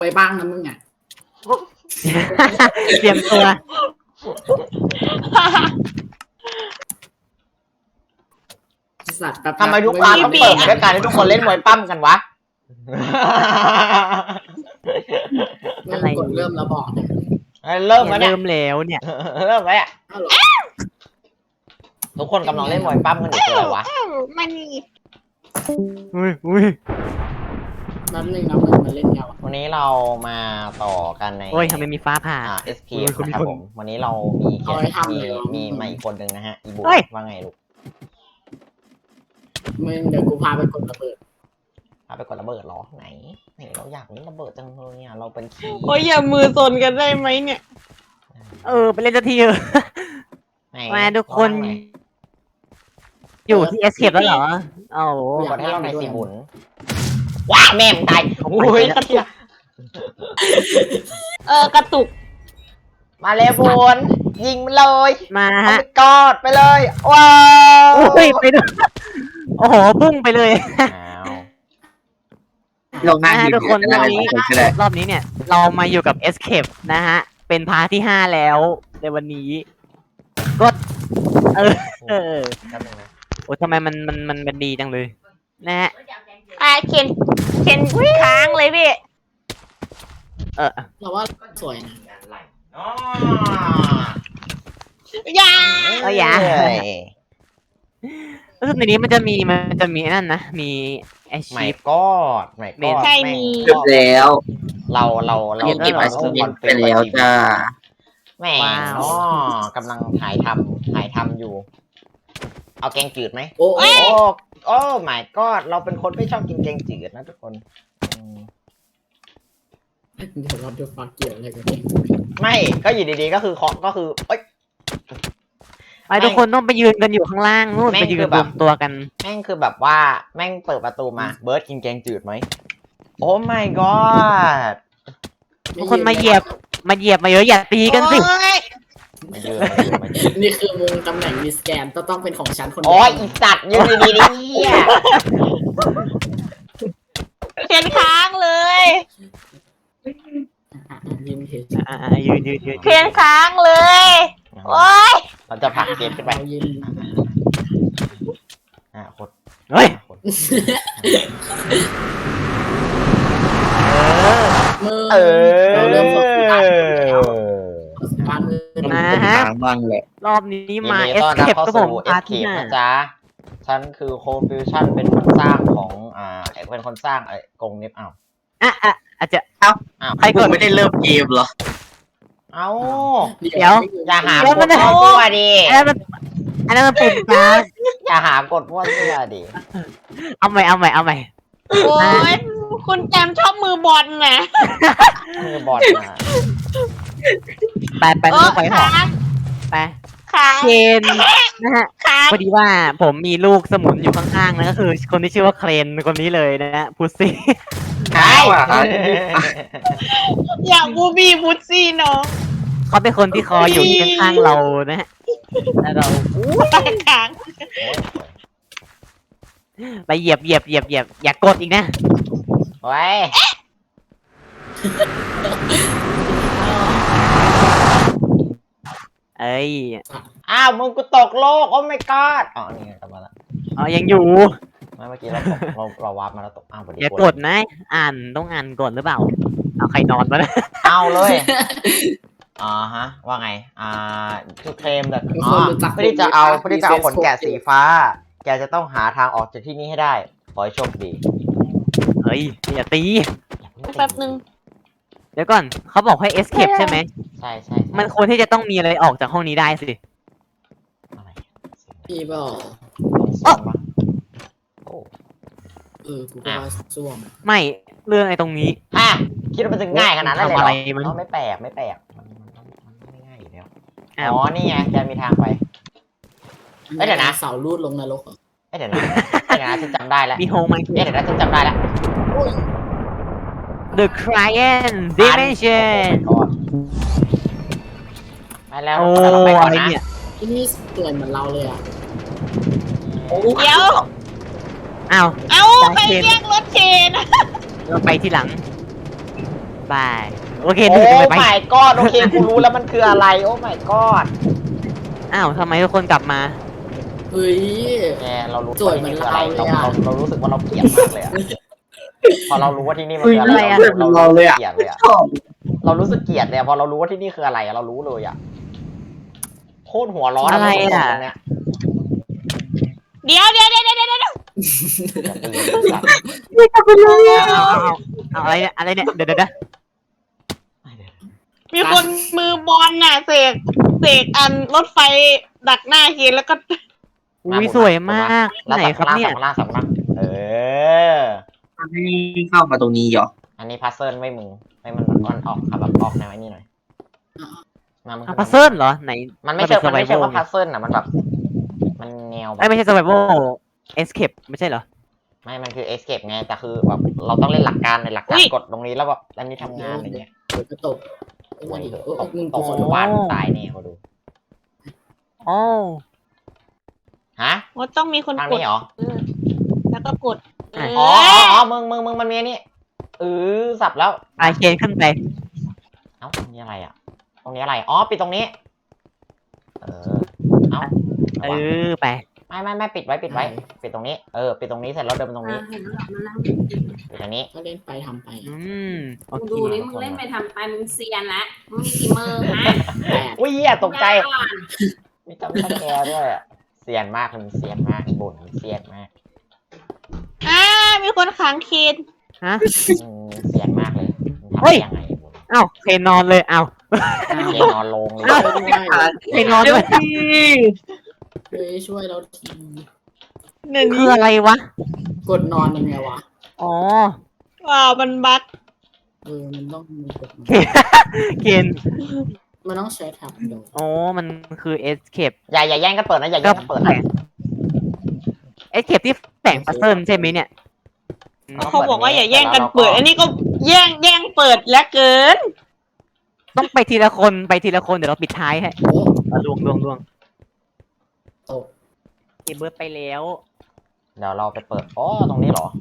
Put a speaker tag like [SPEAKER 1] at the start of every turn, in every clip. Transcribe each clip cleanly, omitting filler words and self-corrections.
[SPEAKER 1] ไปบ้างนะมึงอ่ะ
[SPEAKER 2] เตรียมตัว
[SPEAKER 1] สัตว์แบบ
[SPEAKER 3] ทำไมทุกครั้งต้องเปิดด้วยการที่ทุกคนเล่นมวยปั้มกันวะ
[SPEAKER 1] อะไรกดเริ่มแล้วบอกเนี่ย
[SPEAKER 3] เริ่มแล้วเนี่ย
[SPEAKER 2] เริ่มแล้วเนี่ย
[SPEAKER 3] เริ่มแล้วอ่ะ
[SPEAKER 1] อ้าวเหรอ
[SPEAKER 3] ทุกคนกำลังเล่นมวยปั้มกันอยู่คืออะไรวะ
[SPEAKER 4] มัน
[SPEAKER 2] อุ้ย
[SPEAKER 1] แป๊บนึงนะมึงมาเล่นเงาอะ
[SPEAKER 3] วันนี้เรามาต่อกันใน
[SPEAKER 2] โอ้ยทำไมมีฟ้าผ่า
[SPEAKER 3] escape นะครับผมวันนี้เรามีแขกมีมาอีกคนหนึ่งนะฮะอีบุว่าไงลูก
[SPEAKER 1] มึงเดี๋ยวกูพาไปกดระเบิด
[SPEAKER 3] พาไปกดระเบิดเหรอไหนเราอยากเล่นระเบิดจังเลยเนี่ยเราเป็นขี้
[SPEAKER 4] โอ้ยอย่ามือซนกันได้ไหมเนี่ย
[SPEAKER 2] ไปเล่นสักทีเถอะ
[SPEAKER 3] ไหน
[SPEAKER 2] มาทุกคนอยู่ที่ escape แล้วเหรอโอ้โห
[SPEAKER 3] กดให้เราหน่อยสิบุญว้าแม่มตายโอ้ยกระเทีย
[SPEAKER 4] กระตุก
[SPEAKER 3] มาเลยบุญยิงมันเลย
[SPEAKER 2] มา
[SPEAKER 3] เอา
[SPEAKER 2] ฮะ
[SPEAKER 3] ไปกอดไปเลยว้าว
[SPEAKER 2] โอ้ยไปดูโอ้โหพุ่งไปเลย
[SPEAKER 5] ลงหน้า
[SPEAKER 2] ทุกคนรอบนี้
[SPEAKER 5] ก็ได้
[SPEAKER 2] รอบนี้เนี่ย เรามาอยู่กับ escape นะฮะ เป็นพาร์ทที่ 5 แล้วในวันนี้กดเออ
[SPEAKER 3] แป๊บนึงนะ
[SPEAKER 2] โอ้ทำไมมันดีจังเลยนะฮะ
[SPEAKER 4] เข็นค้างเลยพี่
[SPEAKER 1] เราว่าสวยนะ
[SPEAKER 3] อ๋อ
[SPEAKER 4] อย่า
[SPEAKER 2] อย่า รู้สึกในนี้มันจะมีนั่นนะมีไอ
[SPEAKER 3] ไม่
[SPEAKER 2] ชีพ
[SPEAKER 3] กอดไม่กอด
[SPEAKER 4] ใช่มี
[SPEAKER 5] จบแล้ว
[SPEAKER 3] เรา
[SPEAKER 5] เก็บไอซ์เมนไปแล้วจ้า
[SPEAKER 3] แหม่อ๋อกำลังถ่ายทำอยู่ เอาแกงจืดไหม
[SPEAKER 1] โอ้
[SPEAKER 3] โอ้ไม่กอดเราเป็นคนไม่ชอบกินแกงจืดนะทุกคนอืม
[SPEAKER 1] เดี๋ยวเราดูฟังเกี่ยวอะไรกันเนี่ย
[SPEAKER 3] ไม่ก็อยู่ดีๆก็คือเคาะก็คือเอ้ย
[SPEAKER 2] ไปทุกคนต้องไปยืนกันอยู่ข้างล่างนู่น
[SPEAKER 3] แม่ง
[SPEAKER 2] ไปยื
[SPEAKER 3] คื
[SPEAKER 2] น
[SPEAKER 3] อแบบ
[SPEAKER 2] รวมตัวกัน
[SPEAKER 3] แม่งคือแบบว่าแม่งเปิดประตูมาเบิร์ดกินแกงจืดไหมโอ้ my god
[SPEAKER 2] ทุกคนมาเหยียบมาเยอะอย่าตีกันสิ
[SPEAKER 4] โอ๊ย
[SPEAKER 3] มาเยือน
[SPEAKER 1] นี่คือมุงตำแหน่งมีสแกนต้องเป็นของฉันคนเดี
[SPEAKER 3] โอ้
[SPEAKER 1] วย
[SPEAKER 3] อีสัตว์ยืนดีๆดิเหี้ย
[SPEAKER 4] เข็นค้างเลย
[SPEAKER 1] ยินเห็น
[SPEAKER 2] ยืน
[SPEAKER 4] เข็นค้างเลย โอ๊ย
[SPEAKER 3] เราจะผลักเกมขึ้นไป
[SPEAKER 1] เรายิน
[SPEAKER 3] โคตร
[SPEAKER 2] เฮ้ย
[SPEAKER 1] มือ
[SPEAKER 3] เออ
[SPEAKER 1] เราเริ่มฝึกการมือ
[SPEAKER 2] มาฮะ
[SPEAKER 5] ทางบ้างแหละ
[SPEAKER 2] รอบนี้มา
[SPEAKER 3] ยินดีต้อนรับ
[SPEAKER 2] escape
[SPEAKER 3] เข้า
[SPEAKER 2] ก็ผ
[SPEAKER 3] สู่
[SPEAKER 2] มพาร์ทที่
[SPEAKER 3] escape
[SPEAKER 2] ห้า
[SPEAKER 3] นะจ๊ะฉันคือโคฟิวชั่นเป็นคนสร้างของเป็นคนสร้างกรงเน็บ
[SPEAKER 2] อาจจะ
[SPEAKER 5] ใครกูไม่ได้เริ่มเกมเหรอ
[SPEAKER 3] เอ้า
[SPEAKER 2] เดี๋ยว
[SPEAKER 3] อย่าหา
[SPEAKER 2] เดี๋ยว
[SPEAKER 3] ก
[SPEAKER 2] มั
[SPEAKER 3] ด
[SPEAKER 2] น
[SPEAKER 3] มั่วดิ
[SPEAKER 2] อันนั้นมันปุ่มกลาง
[SPEAKER 3] อย่าหากดมั่วดิดิ
[SPEAKER 2] เอาใหม่
[SPEAKER 4] โอ๊ย คุณแจมชอบมือบอลนะ
[SPEAKER 3] มือบอลมา
[SPEAKER 2] ไปลูกไปหอ
[SPEAKER 4] ค้าง
[SPEAKER 2] ไป
[SPEAKER 4] ค้าง
[SPEAKER 2] เชนนะฮะ
[SPEAKER 4] ค้าง
[SPEAKER 2] พอดีว่าผมมีลูกสมุนอยู่ข้างๆนะก็คือคนที่ชื่อว่าเครนคนนี้เลยนะฮะพุซซี่
[SPEAKER 3] ใช่
[SPEAKER 4] อย่าบูบี้บูซี่น้อง
[SPEAKER 2] เขาเป็นคนที่คอยอยู่ที่ข้างๆเรานะฮะแล้วเรา
[SPEAKER 4] ค้าง
[SPEAKER 2] ไปเหยียบอย่ากดอีกนะ
[SPEAKER 3] โอ้ย
[SPEAKER 2] เอ้ย
[SPEAKER 3] อ้าวมึงกูตกโลกโอ้ my god อ๋อนี่ไงกลับมาแล้ว
[SPEAKER 2] ยังอยู่
[SPEAKER 3] ไม่เมื่อกี้เราวาร์ปมาแล้วตกอ้าวพอดี
[SPEAKER 2] อย่ากดนะต้องอ่านก่อนหรือเปล่าเอาใครนอนมานะ
[SPEAKER 3] เอาเลยฮะว่าไงto claim the เพื่อที่จะเอาขนแกะสีฟ้า แกจะต้องหาทางออกจากที่นี่ให้ได้ขอให้โชคดี
[SPEAKER 2] เฮ้ยอย่าตี
[SPEAKER 4] แป๊บนึง
[SPEAKER 2] เดี๋ยวก่อนเขาบอกให้ escape ใช่ไหม
[SPEAKER 3] ใช่
[SPEAKER 2] มันควรที่จะต้องมีอะไรออกจากห้องนี้ได้สิ
[SPEAKER 3] อะไร
[SPEAKER 1] พี่บอก
[SPEAKER 3] โอ้
[SPEAKER 1] กูก็ว่าซ่วม
[SPEAKER 2] ไม่เรื่องไอ้ตรงนี้
[SPEAKER 3] คิดว่ามันจะง่ายขนาดนั้นเลย
[SPEAKER 2] ทำอะไร
[SPEAKER 3] เหร
[SPEAKER 2] มัน
[SPEAKER 3] อไม่แปลกมันไม่ง่ายอยู่แล้ว
[SPEAKER 2] อ้าว
[SPEAKER 3] อ๋อนี่ไงแกมีทางไป เอ้ยเดี๋ยวนะ
[SPEAKER 1] เสาลูดลงนรกเหรอ
[SPEAKER 3] เดี๋ยวนะฉันจำได้แล้ว
[SPEAKER 2] มีโฮมไหม
[SPEAKER 3] เดี๋ยวนะฉันจำได้แล้ว
[SPEAKER 2] The Client Dimension
[SPEAKER 3] ไปแล้ว
[SPEAKER 2] โอ้
[SPEAKER 3] เราไปก่อน
[SPEAKER 2] อะไร
[SPEAKER 3] นะ
[SPEAKER 2] เนี่ย
[SPEAKER 1] ที่นี่สวยเหมือนเราเลยอ่ะ
[SPEAKER 4] เดี๋ยว
[SPEAKER 2] อ้าว
[SPEAKER 4] เอ้าใครเรียกรถเชน
[SPEAKER 2] เราไปที่หลัง ไปบายโอเค
[SPEAKER 3] โอ้
[SPEAKER 2] ดูไป
[SPEAKER 3] my god โอเคกูรู้แล้วมันคืออะไรโอ้ my god
[SPEAKER 2] อ้าวทำไมทุกคนกลับมา
[SPEAKER 1] เฮ้ย
[SPEAKER 3] แกเรารู้
[SPEAKER 1] สวยเหมือนเราเลยอะ
[SPEAKER 3] เรารู้สึกว่าเราเกลียดมากเลยอะพอเรารู้ว่าที่นี่มัน
[SPEAKER 5] คุย
[SPEAKER 3] คืออะไร
[SPEAKER 5] เพื่อนเป็นเราเลยอ่ะ
[SPEAKER 3] เกลียดเลยอะ
[SPEAKER 5] ชอบ
[SPEAKER 3] เรารู้สึกเกลียดเลยอะพอเรารู้ว่าที่นี่คืออะไรอะเรารู้เลยอะโคตรหัวร้อน
[SPEAKER 2] อะไรอะ
[SPEAKER 3] ตรงเนี้ย
[SPEAKER 4] เดี๋ยว
[SPEAKER 2] เอาอะไรเนี่ยเดี๋ยว
[SPEAKER 4] มีคนมือบอลน่ะเสกอันรถไฟดักหน้าเคนแล้วก็
[SPEAKER 2] อุ้ยสวยมาก
[SPEAKER 3] แล้ว
[SPEAKER 2] ไหนครับเนี่ย
[SPEAKER 3] สับล่างเออ
[SPEAKER 5] ให้เข้ามาตรงนี้เหรอ
[SPEAKER 3] อันนี้พัซเซิลไม่มึงไม่มันก้อนออกครับแบบออกแนวไอ้นี่หน่อยมามึง
[SPEAKER 2] พัซเซิลเหรอไหน
[SPEAKER 3] มันไม่ใช่ว่าพัซเซิลนะมันแบบมันแนวแบบ
[SPEAKER 2] ไม่ใช่ survival escape ไม่ใช่เหรอ
[SPEAKER 3] ไม่มันคือ escape ไงแต่คือแบบเราต้องเล่นหลักการในหลักการ
[SPEAKER 4] อุ๊ย
[SPEAKER 3] กดตรงนี้แล้วแบบอันนี้ทำงานอะไรเงี้ย
[SPEAKER 1] เดี๋ยวก็ตกไอ้
[SPEAKER 3] โอ้
[SPEAKER 1] วัน
[SPEAKER 3] ย
[SPEAKER 1] นี้
[SPEAKER 3] ตก
[SPEAKER 1] มึง
[SPEAKER 3] ต
[SPEAKER 1] กู
[SPEAKER 3] ก
[SPEAKER 1] ขอ
[SPEAKER 3] ทุ
[SPEAKER 1] ดู
[SPEAKER 3] กวันตายแน่เขาดู
[SPEAKER 2] อ๋อ
[SPEAKER 3] ฮะ
[SPEAKER 4] ว่าต้องมีคน
[SPEAKER 3] ทาง
[SPEAKER 4] กด
[SPEAKER 3] นี้เหรอ
[SPEAKER 4] แล้วก็กด
[SPEAKER 3] อ๋อมึงมันมีนี่สับแล้ว
[SPEAKER 2] อาเคนขึ้นไป
[SPEAKER 3] เอ้าตรงนี้อะไรอ่ะตรงนี้อะไรอ๋อปิดตรงนี้เอ้า
[SPEAKER 2] เออไป
[SPEAKER 3] ไม่ปิดไว้ปิดตรงนี้ปิดตรงนี้เสร็จแล้วเดินไปตรงนี้
[SPEAKER 6] เห็นแล้วมันนั่ง
[SPEAKER 3] ปิดตรงนี้
[SPEAKER 1] ก็เล่นไปทำไป
[SPEAKER 2] อืมโอ
[SPEAKER 6] มึง
[SPEAKER 2] เค
[SPEAKER 6] ดูนี่มึงเล่นไปทำไปมึงเซียนแล้วมึงมีกี่มือฮะ
[SPEAKER 1] แปด
[SPEAKER 3] อุ้ยเหี้ยตกใจ
[SPEAKER 6] ก่อน
[SPEAKER 3] มีจำสแกร์ด้วยอะเสียนมากมันเสียนมากบ่นเสียนมาก
[SPEAKER 4] มีคนขังเคน
[SPEAKER 2] ฮะ
[SPEAKER 3] เสียนมากเลยมันทำ
[SPEAKER 2] เฮ้
[SPEAKER 3] ได้
[SPEAKER 2] ย
[SPEAKER 3] ยังไงบ่น
[SPEAKER 2] อ้าวเคนนอนเลยอ้าว
[SPEAKER 3] เกนอนลงเลย
[SPEAKER 2] อ้าว เคนนอนด้วย
[SPEAKER 1] เฮ้ยช่วยเราที
[SPEAKER 4] เนี่ย
[SPEAKER 2] คืออะไรวะ
[SPEAKER 1] กดนอนยังไงวะ
[SPEAKER 2] อ๋อ
[SPEAKER 4] ว้าวมันบั๊ก
[SPEAKER 1] มันต้องมีกดนอน
[SPEAKER 2] เคน
[SPEAKER 1] มันต้องใช้แท็บโดด
[SPEAKER 2] อ๋อมันคือ escape
[SPEAKER 3] อย่าแย่งกันเปิดนะอย่า
[SPEAKER 2] ก็
[SPEAKER 3] แย่งกันเปิด
[SPEAKER 2] แฝ
[SPEAKER 3] นะ
[SPEAKER 2] ง escape ที่แฝงพัซเซิลใช่ไหมเนี่ย
[SPEAKER 4] เขาบอกว่าอย่าแย่งกันเปิด อันนี้ก็แย่งเปิดแล้วเกิน
[SPEAKER 2] ต้องไปทีละคนเดี๋ยวเราปิดท้ายให้
[SPEAKER 1] โอ้
[SPEAKER 2] ลวง
[SPEAKER 1] ตก
[SPEAKER 2] เก็บเบิร์ดไปแล้ว
[SPEAKER 3] เดี๋ยวเราไปเปิดอ๋อตรงนี้เหรอ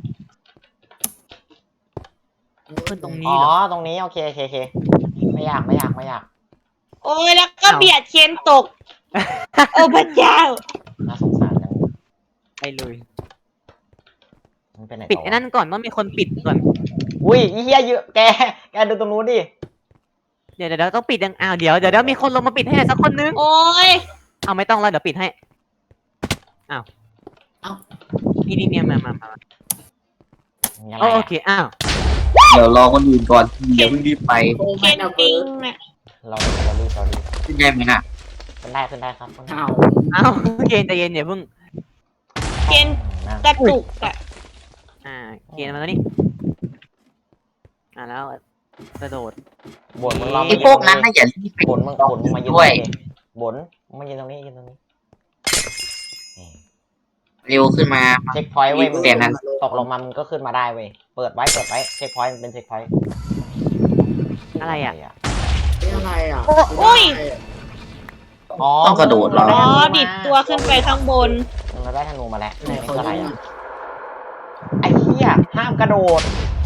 [SPEAKER 2] ขึ้นตรง
[SPEAKER 3] อ๋
[SPEAKER 2] นี้
[SPEAKER 3] อ
[SPEAKER 2] เหรอ
[SPEAKER 3] ตรงนี้โอเคไม่ยาก
[SPEAKER 4] โอ้ยแล้วก็เบียดเคนตก โอ้พระเจ้า
[SPEAKER 3] น่าสงสารจัง
[SPEAKER 2] ไปเลย
[SPEAKER 3] มันเป็นไหน
[SPEAKER 2] ปิด
[SPEAKER 3] ต่อ
[SPEAKER 2] ไอ้นั่นก่อนต้องมีคนปิดก่อน
[SPEAKER 3] อุ้ยอีเหี้ยเยอะแกดูตรงนู้นดิ
[SPEAKER 2] เดี๋ยวต้องปิดยังอ้าวเดี๋ยวมีคนลงมาปิดให้หน่อยสักคนนึง
[SPEAKER 4] โอ้ย
[SPEAKER 2] เอาไม่ต้องแล้วเดี๋ยวปิดให้อ้าวนี่เนี่ยมา
[SPEAKER 3] มีอะไร
[SPEAKER 2] โอ
[SPEAKER 3] อะ
[SPEAKER 2] เคอ้าว
[SPEAKER 5] เดี๋ยวรอคนอื่นก่อนเดี๋ยวเพิ่งรีบไป
[SPEAKER 1] โอ้
[SPEAKER 4] เค
[SPEAKER 1] ไม่
[SPEAKER 4] น
[SPEAKER 1] เอา
[SPEAKER 4] ปิ
[SPEAKER 1] เบิ
[SPEAKER 4] ง
[SPEAKER 1] ร์ด
[SPEAKER 4] น่ะ
[SPEAKER 3] เรารีบ
[SPEAKER 5] ขึ้นได้ไหมน่ะ
[SPEAKER 3] ขึ้นได้ครับ
[SPEAKER 1] เห่า
[SPEAKER 2] อ้าวเคนใจเย็นอย่าเพิ่ง
[SPEAKER 4] เคน
[SPEAKER 3] นั่ง
[SPEAKER 4] กระตุกอะ
[SPEAKER 2] เคนมาแล้วนี่แล้วกระโดด
[SPEAKER 3] บ่นมึงลอง
[SPEAKER 5] ไอ้พวกนั้นน่ะอย่ารีบไป
[SPEAKER 3] บ่นมึงมายืนตรง
[SPEAKER 5] ด้วย
[SPEAKER 3] นี้ดิบ่นมึงมายืนตรงนี้นี่
[SPEAKER 5] เร็วขึ้นมา
[SPEAKER 3] เช็คพอยต์เว้ยมึง
[SPEAKER 5] เปลี่ยนนั้น
[SPEAKER 3] ตกลงมามึงก็ขึ้นมาได้เว้ยเปิดไว้เช็คพอยต์มันเป็นเช็คพอยต์
[SPEAKER 2] อะไรอ่ะ
[SPEAKER 1] นี่อะไรอ่ะ
[SPEAKER 4] อุ้ย
[SPEAKER 3] อ๋อ
[SPEAKER 5] ต้องกระโดดเหรอ
[SPEAKER 4] อ๋อดิดตัวขึ้นไปข้างบน
[SPEAKER 3] เราได้ธนูมาแล้ว
[SPEAKER 1] ไหน
[SPEAKER 3] นี่
[SPEAKER 1] เขา
[SPEAKER 3] คืออะไร
[SPEAKER 1] ยิง
[SPEAKER 3] อ่ะไอ้เหี้ยห้ามกระโดด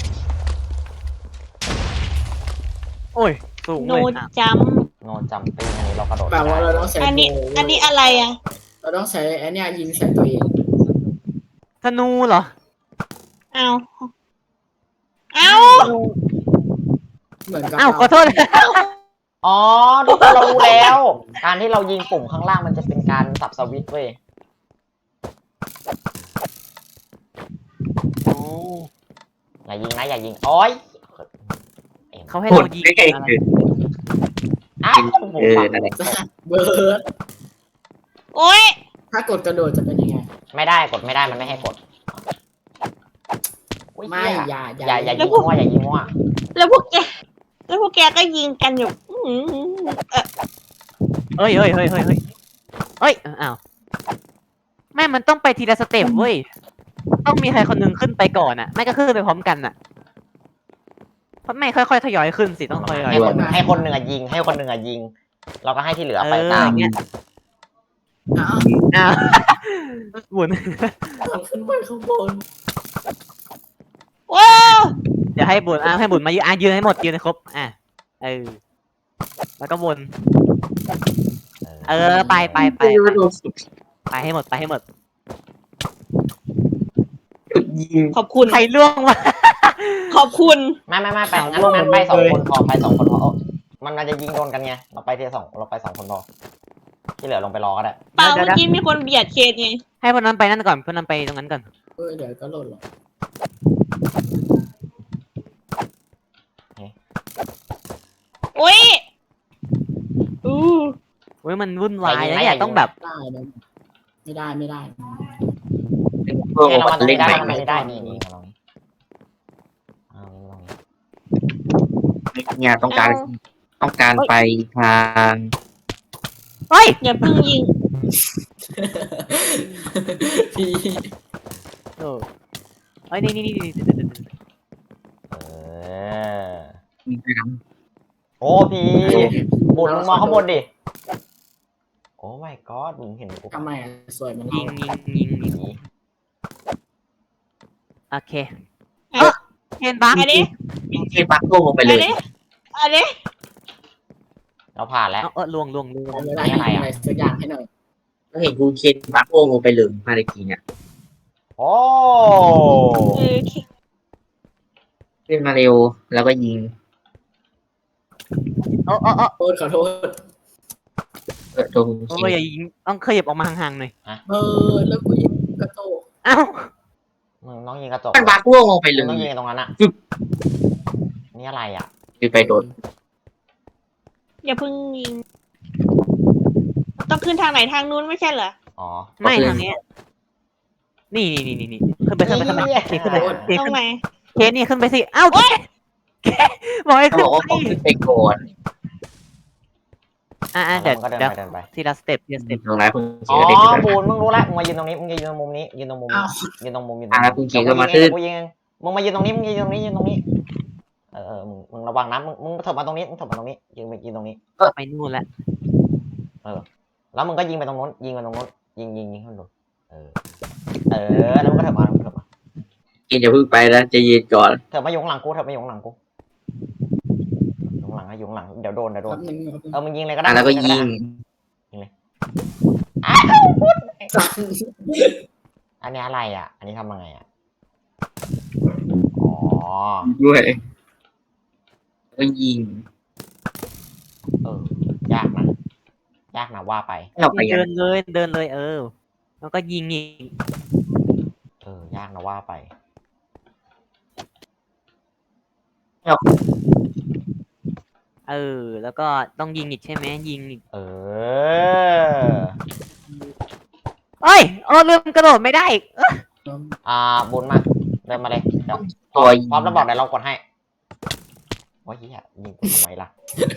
[SPEAKER 2] โอ้ยสูง
[SPEAKER 4] โน
[SPEAKER 2] เลย
[SPEAKER 4] จัม
[SPEAKER 3] โนจัมปิ้งอันนี้เรากระโดด
[SPEAKER 1] แปลว่าเราต้องใช้
[SPEAKER 4] อันนี้
[SPEAKER 1] โบว์
[SPEAKER 4] อันนี้อะไรอ่ะ
[SPEAKER 1] เราต้องใช้ไอ้เนี่ยยิงใส่ตัวเอง
[SPEAKER 2] ธนูเหรอ
[SPEAKER 4] เอาเอา
[SPEAKER 1] เหมือนกับ
[SPEAKER 2] อ้าวขอโทษ
[SPEAKER 3] อ๋อทุกคนเรารู้แล้ว การที่เรายิงปุ่มข้างล่างมันจะเป็นการสับสวิตช์เว้ย
[SPEAKER 2] โอ้
[SPEAKER 3] อย่ายิงโอ้ย
[SPEAKER 2] เขาให้
[SPEAKER 5] พูด
[SPEAKER 2] เรายิง
[SPEAKER 5] ใกล้ๆ
[SPEAKER 2] อะไร
[SPEAKER 5] คือ
[SPEAKER 3] อ้าวผม
[SPEAKER 5] เออ
[SPEAKER 3] ฟัง
[SPEAKER 5] นั่นแหละ
[SPEAKER 1] เบิร์ด
[SPEAKER 4] โอ้ย
[SPEAKER 1] ถ้ากดกระโดดจะเป็นยังไง
[SPEAKER 3] ไม่ได้กดไม่ได้มันไม่ให้กดอุ๊ย
[SPEAKER 1] ไม่
[SPEAKER 3] เหี้
[SPEAKER 1] อย่า
[SPEAKER 3] อย่ายิงมั่วอย่ายิงมั่ว
[SPEAKER 4] แล้วพวกแกก็ยิงกันอยู่
[SPEAKER 2] เฮ้ยอ้าวแม่มันต้องไปทีละสเต็ปเว้ยต้องมีใครคนหนึงขึ้นไปก่อนอ่ะไม่ก็ขึ้นไปพร้อมกันอ่ะเพราะไม่ค่อยๆทยอยขึ้นสิต้องทยอย
[SPEAKER 3] ให้คนหนึ่งอะยิงเราก็ให้ที่เหลือไป
[SPEAKER 2] เออ
[SPEAKER 3] ตาม
[SPEAKER 2] อย่างเงี้ย
[SPEAKER 1] อ้าว
[SPEAKER 2] อ้าวหมุน
[SPEAKER 1] ขึ้นไปข้างบน
[SPEAKER 4] ว้าว
[SPEAKER 2] เดี๋ดี๋ยวให้บุญให้บุญมายืนยืนให้หมดยืนให้ครบแล้วก็วนไปให้หมดไปให้หมด
[SPEAKER 5] ยิง
[SPEAKER 4] ขอบคุณ
[SPEAKER 2] ใครล่วงวะ
[SPEAKER 4] ขอบคุณ
[SPEAKER 3] ไม่ไปงั้นไป2 คนพอไป2 คนพอมันจะยิงโดนกันไงเราไปทีละ2เราไป2 คนพอที่เหลือลงไปรอก็ได้
[SPEAKER 4] เปล่าเมื่อกี้มีคนเบียดเคนไง
[SPEAKER 2] ให้พวกนั้นไปนั่นก่อนพวกนั้นไปตรงนั้นก่อน
[SPEAKER 1] เดี๋ยวก็หล่นหรอก
[SPEAKER 4] โอ้ยอู้
[SPEAKER 2] เว้ยมันวุ่นวายนะเนี่ยต้องแบบ
[SPEAKER 1] ได้นะไม่ได้
[SPEAKER 5] เพื่อ
[SPEAKER 3] เรา
[SPEAKER 5] มา
[SPEAKER 3] มาตรง
[SPEAKER 5] เล่
[SPEAKER 3] นี้
[SPEAKER 5] น
[SPEAKER 3] ได้
[SPEAKER 5] ใหม่
[SPEAKER 3] ไม่ได้นี่มาลอง
[SPEAKER 5] งานต้องการไปทาง
[SPEAKER 2] เฮ้ย
[SPEAKER 4] อย่าเพิ่งยิง
[SPEAKER 1] พี่
[SPEAKER 2] เฮ้ยนี่
[SPEAKER 5] มีไปทาง
[SPEAKER 3] โอ้พี่บุญมองข้างบนดิโอ้ my god มึงเห็นกู
[SPEAKER 1] ทำไมสวยมัน
[SPEAKER 2] ยิงโอเค
[SPEAKER 4] เอ้ย
[SPEAKER 2] เห็นบัก
[SPEAKER 4] อันนี้
[SPEAKER 5] ยิงเทปักโลงไปเล
[SPEAKER 4] อั
[SPEAKER 5] ย
[SPEAKER 4] นนี้อันนี้
[SPEAKER 3] เราผ่านแล้ว
[SPEAKER 2] ล่วง
[SPEAKER 1] อะไรสักอย่างให้หน่อย
[SPEAKER 5] ก็เห็นกูเคนปักโลงไปเลยมาตะกี้เนี่ย
[SPEAKER 3] โอ้
[SPEAKER 4] เออ
[SPEAKER 5] ขึ้นมาเร็วแล้วก็ยิง
[SPEAKER 1] ขอโทษ
[SPEAKER 5] ตรง
[SPEAKER 2] โอ้ยอย่ายิงต้องขยับออกมาห่างๆหน่อย
[SPEAKER 1] แล้วกูยิงกระโตก
[SPEAKER 2] อ้าว
[SPEAKER 3] มึงต้องยิงกระจก
[SPEAKER 5] มันปักโลงไปเล
[SPEAKER 3] มึงต้องยิง
[SPEAKER 5] ย
[SPEAKER 3] ตรงนั้นอ่ะนี่อะไรอ่ะ
[SPEAKER 5] คือไปโดน
[SPEAKER 4] อย่าเพิ่งยิง ต้องขึ้นทางไหนทางนู้นไม่ใช่เหรอ
[SPEAKER 3] อ๋อ
[SPEAKER 2] ไม่ทางนี้นี่ขึ้นไปขึ้นไป
[SPEAKER 4] ตรงไหน
[SPEAKER 2] เคสนี่ขึ้นไปสิอ้าวบอกให้
[SPEAKER 5] เขา
[SPEAKER 2] ขึ้น
[SPEAKER 5] บอกว่า
[SPEAKER 2] ไป
[SPEAKER 5] ต้องขึ้นไปก่อน
[SPEAKER 2] เดี๋ยว
[SPEAKER 3] ก็เดิน
[SPEAKER 2] เดี๋ยว
[SPEAKER 3] ไปเดินไป
[SPEAKER 2] ทีละสเต็ป
[SPEAKER 5] ตรงไหนคุณ
[SPEAKER 3] อ๋
[SPEAKER 5] เขี
[SPEAKER 3] อย
[SPEAKER 5] นเด็ก
[SPEAKER 3] บูนมึงรู้แล้วมึงมายืนตรงนี้มึงยืนตรงมุมนี้ยืนตรงมุมนี้ยืนตรงมุมยืนตรง
[SPEAKER 5] แล้วคุณเขียนก็มาขึ้น
[SPEAKER 3] กูยิงมึงมายืนตรงนี้มึงยืนตรงนี้ยืนตรงนี้มึงระวังนะมึงเถิบมาตรงนี้มึงเถิบมาตรงนี้ยืนตรงนี้
[SPEAKER 2] ไปนู่นแล้ว
[SPEAKER 3] แล้วมึงก็ยิงไปตรงนู้นยิงไปตรงนู้นยิงข้างบนแล้วมึงก็เถิบมา
[SPEAKER 5] กินอย่าเพิ่งไปนะจะยืนก่อน
[SPEAKER 3] เถิบมาอยู่ข้างหลังกูอยู่ข้างหลังเดี๋ยวโดน มึงยิงเลยก็ได้
[SPEAKER 5] แล้วก็ยิง
[SPEAKER 3] อันนี้อะไรอ่ะ อันนี้ทำยังไงอ่ะอ๋อ
[SPEAKER 5] ด้วยก็ยิง
[SPEAKER 3] ยากนะว่าไป
[SPEAKER 5] เราไปยั
[SPEAKER 2] เดิ
[SPEAKER 5] ง
[SPEAKER 2] นเลยแล้วก็ยิงอีก
[SPEAKER 3] ยากนะว่าไป
[SPEAKER 2] แล้วก็ต้องยิงอีกใช่ไหมยิงอีก เอ้ยลืมกระโดดไม่ได้อีก
[SPEAKER 3] บุญมาเดินมาเลยเดี๋ยว
[SPEAKER 5] ตัวยิง
[SPEAKER 3] พร้อมแล้วบอกเดี๋ยวเรากดให้โอ้ยเฮียยิงกูทำไมล่ะ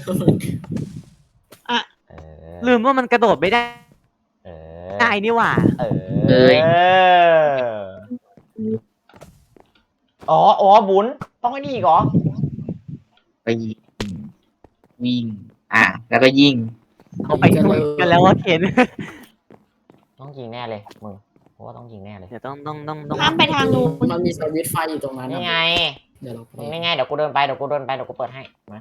[SPEAKER 2] ลืมว่ามันกระโดดไม่ได้ได้นี่หว่า
[SPEAKER 3] อ๋อบุญต้องไอ้นี่อีกเหรอ
[SPEAKER 5] ไปยิงวิ่งแล้วก็ยิง
[SPEAKER 2] เอาไปนู่นกันแล้วว่าเคน
[SPEAKER 3] ต้องยิงแน่เลยมึงเพราะว่าต้องยิงแน่เลย
[SPEAKER 2] เดี๋ยวต้อง
[SPEAKER 4] ห้ามไปทางนู้น
[SPEAKER 1] มันมีสวิตช์ไฟอยู่ตรงนั้น
[SPEAKER 3] นี่ไง
[SPEAKER 1] เดี๋ยวเราไป
[SPEAKER 3] นี่ไงเดี๋ยวกูเดินไปเดี๋ยวกูเปิดให้มา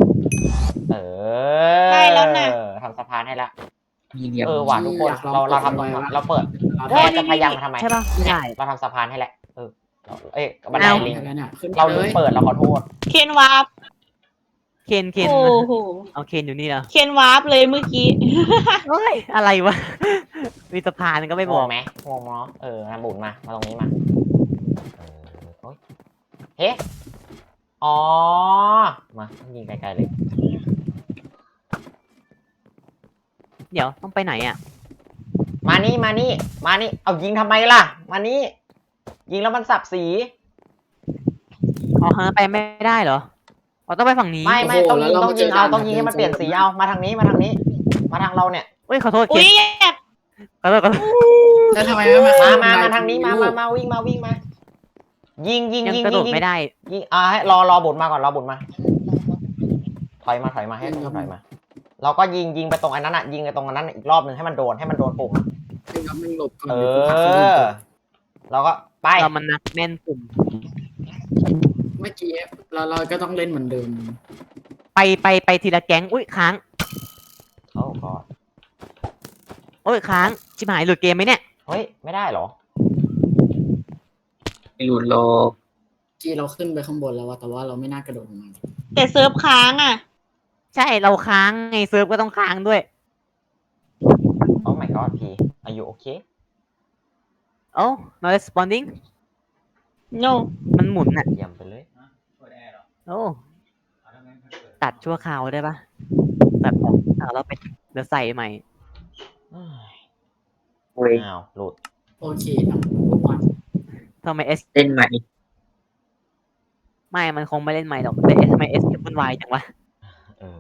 [SPEAKER 3] ทำสะพานให้ละ
[SPEAKER 5] มีเดียว
[SPEAKER 3] ว่ะทุกคนเราทำเราเปิดแค่จะพยายามทำไม
[SPEAKER 2] ใช่ป่ะไม่ได้
[SPEAKER 3] เราทำสะพานให้แหละบันไดลิง
[SPEAKER 1] ขึ้น
[SPEAKER 3] เราลืมเปิดเราขอโทษ
[SPEAKER 4] เคนวาร์ป
[SPEAKER 2] เคน
[SPEAKER 4] โอ้โห
[SPEAKER 2] เอาเคนอยู่นี่เหรอ
[SPEAKER 4] เคนวาร์ปเลยเมื่อกี้
[SPEAKER 2] เฮ้ยอะไรวะมีสะพานก็ไม่บอก
[SPEAKER 3] ไหมงงเนาะนะบุญมาตรงนี้มาเฮ้อ๋อมายิงไกลๆเลย
[SPEAKER 2] เดี๋ยวต้องไปไหนอ่ะ
[SPEAKER 3] มานี่เอายิงทำไมล่ะมานี่ยิงแล้วมันสับสี
[SPEAKER 2] อ๋อไปไม่ได้เหรอต้องไปฝั่งนี้
[SPEAKER 3] ไม่ต้องยิงให้มันเปลี่ยนสีเอามาทางนี้มาทางเราเนี่ย
[SPEAKER 2] เฮ้ยขอโทษเคน
[SPEAKER 4] อุ้ย
[SPEAKER 2] ขอโทษ
[SPEAKER 1] แล้วทำไมไม่
[SPEAKER 3] มาทางนี้มาวิ่งมายิง
[SPEAKER 2] ยังกระโดดไม่ได้
[SPEAKER 3] ยิงให้รอบุญมาก่อนรอบุญมาถอยมาให้ถอยมาเราก็ยิงไปตรงอันนั้นอ่ะยิงไปตรงอันนั้นอีกรอบนึงให้มันโดนปุ่ม
[SPEAKER 1] มึงหลบก่อน
[SPEAKER 3] เราก็ไป
[SPEAKER 2] เรามันนักแม่นปุ่ม
[SPEAKER 1] เมื่อกี้เราก็ต้องเล่นเหมือนเดิม
[SPEAKER 2] ไปทีละแก๊งอุ้ยค้าง
[SPEAKER 3] โอ้ก็
[SPEAKER 2] โอ้ยค้างชิบหายหลุดเกมไหมเนี่ย
[SPEAKER 3] เฮ้ย ไม่ได้เหรอ
[SPEAKER 5] ไม่หลุดโลก
[SPEAKER 1] ที่เราขึ้นไปข้างบนแล้วอะแต่ว่าเราไม่น่ากระโดดลงมา
[SPEAKER 4] แต่เซิร์ฟค้างอ่ะ
[SPEAKER 2] ใช่เราค้างไงเซิร์ฟก็ต้องค้างด้วย
[SPEAKER 3] โอ้ my god พี่อายุโอเค
[SPEAKER 2] โอ้ not responding
[SPEAKER 4] no
[SPEAKER 2] มันหมุนอ่ะ
[SPEAKER 3] เยี่ยมไปเลย
[SPEAKER 2] โอ้ตัดชั่วคราวได้ปะตัดออกแล้วไปเดี๋ยวใส่ใหม่
[SPEAKER 5] เว้ย
[SPEAKER 3] อ้าว หลุด
[SPEAKER 1] โอเคนะทุกคน
[SPEAKER 2] ทำไมเอส
[SPEAKER 5] เล่นใหม่
[SPEAKER 2] ไม่มันคงไม่เล่นใหม่หรอกแต่เอสทำไมเอสวุ่นวายจังวะ
[SPEAKER 3] เออ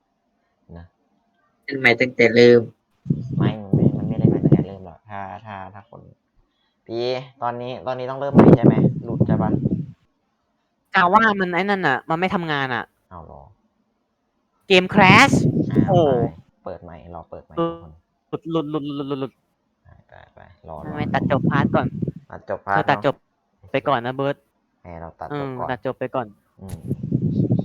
[SPEAKER 5] เล่นใหม่ตั้งแต่เริ่ม
[SPEAKER 3] มันไม่ได้มาตั้งแต่เริ่มหรอกถ้าคน พี่ตอนนี้ต้องเริ่มใหม่ใช่ไหม หลุดใช่ปะ
[SPEAKER 2] กาว่ามันไอ้นั่นอ่ะ มันไม่ทำงานอ่ะ
[SPEAKER 3] เอาเหรอ
[SPEAKER 2] เกม crash
[SPEAKER 3] อ้าว
[SPEAKER 2] โอ้
[SPEAKER 3] เปิดใหม่รอเปิดใหม่
[SPEAKER 2] ห
[SPEAKER 3] ทุกคน
[SPEAKER 2] ลุด
[SPEAKER 3] ไปรอ
[SPEAKER 2] ไม่ตัดจบพาร์ทก่อน
[SPEAKER 3] ตัดจบพา
[SPEAKER 2] เธ
[SPEAKER 3] ร์
[SPEAKER 2] อ
[SPEAKER 3] ท
[SPEAKER 2] ตัดจ
[SPEAKER 3] เนาะ
[SPEAKER 2] บไปก่อนนะเบิร์ต
[SPEAKER 3] เราตัด
[SPEAKER 2] อื
[SPEAKER 3] จ
[SPEAKER 2] ม
[SPEAKER 3] บก่อน
[SPEAKER 2] ตัดจบไปก่อน
[SPEAKER 3] อืม